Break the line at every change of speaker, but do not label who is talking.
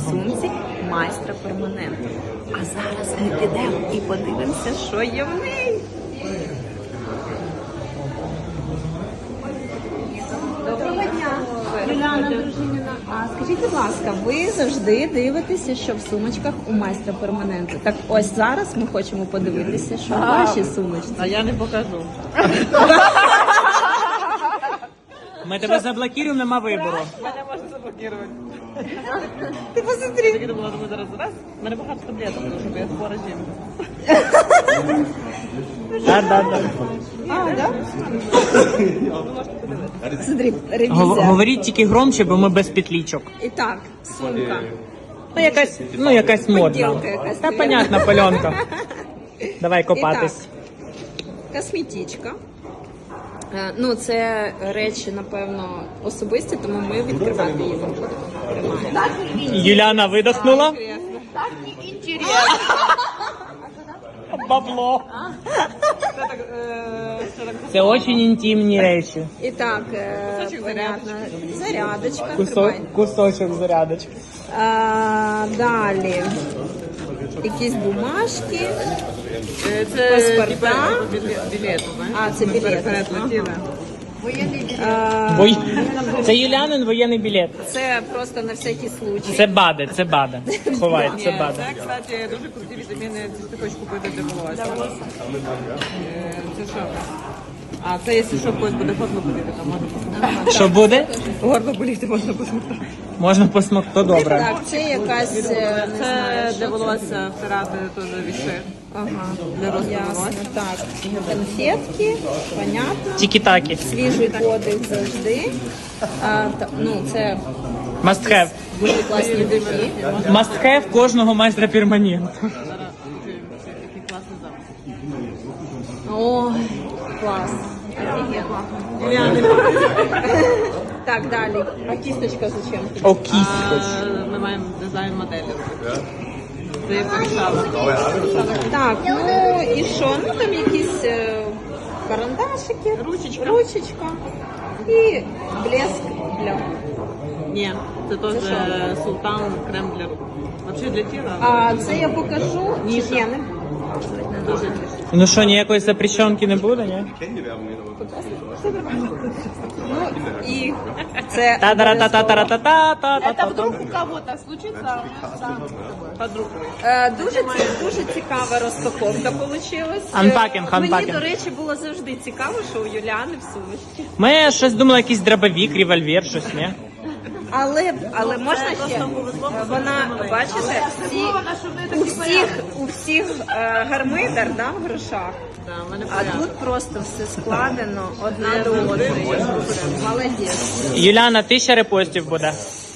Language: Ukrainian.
сумці майстра перманенту. А зараз ми підемо і подивимося, що є в неї. Доброго дня, Юліана Дружиніна. А скажіть, будь ласка, ви завжди дивитеся, що в сумочках у майстра перманенту. Так ось зараз ми хочемо подивитися, що в вашій сумочці.
А я не покажу.
Ми тебе заблокуємо, нема вибору.
Мене можна заблокувати.
Ти посмотри.
Я думала, думаю, зараз раз. У мене багато таблеток, тому що я хвора жінка.
Да.
А, да? Смотри, ревізія.
Говоріть тільки громче, бо ми без петлічок.
І так, сумка.
Якась модна.
Поділка якась,
Та
навірно.
понятна, пальонка. Давай копатись.
Косметичка. Ну, це речі, напевно, особисті, тому ми відкривати її не будемо. Тримаємо.
Юляна видохнула.
Так неінтересно.
Бабло. Це дуже інтимні речі.
І так,
Кусочок
понятно, зарядочка. тримай.
Кусочок зарядочки.
Далі. Якісь бумажки.
Це
Паспорта.
білети, знаєш?
А, це білети.
Перелетіли.
Це Юлянин воєнний білет.
Це просто на всякий случай.
Це баде. Ховай, це
Ні,
баде.
це, кстати, дуже круті вітаміни, якщо ти хочеш купити для волосся. Це що? А це, якщо що, когось буде горло боліти, то можна посмоктати.
Що буде?
Горло боліти можна посмоктати.
Можна посмокти, то добре.
Так, це якась, не знаю,
Це
що
для волосся втирати теж віши.
Ага,
Для росту
ясно.
волосся.
Так, конфетки, понятно.
Тікі-такі.
Свіжий подих завжди. Ну, це
Must have.
дуже класні духи.
Must have кожного майстра перманенту.
Зараз такий класний запах.
О, клас. Так, далі. А кісточка зачем?
О, кість.
Ми маємо дизайн моделі. Це я порішала.
Так, ну і що? Ну там якісь карандашики, ручечка і блеск для.
Ні, це теж султан крем для рук. Взагалі для тіла.
А це я покажу. Ні, не буду.
Дуже ніж.
Ну що, ніякої запрещенки не буде, ні?
Ну і це
Та-да-та-та-та-та-та-та-та.
Вдруг у кого-то случится, подруг.
дуже цікава розпаковка получилась.
Unpacking.
Мені, до речі, було завжди цікаво, що у Юліани в сумочці.
Ми щось думали, якийсь дробовик, револьвер, щось, ні?
Але можна ще? Вона, бачите, у всіх гармидар, да, в грошах.
Да, в мене
А
порядок.
тут просто все складено одна до одної. Молодець.
Юляна, 1000 репостів буде.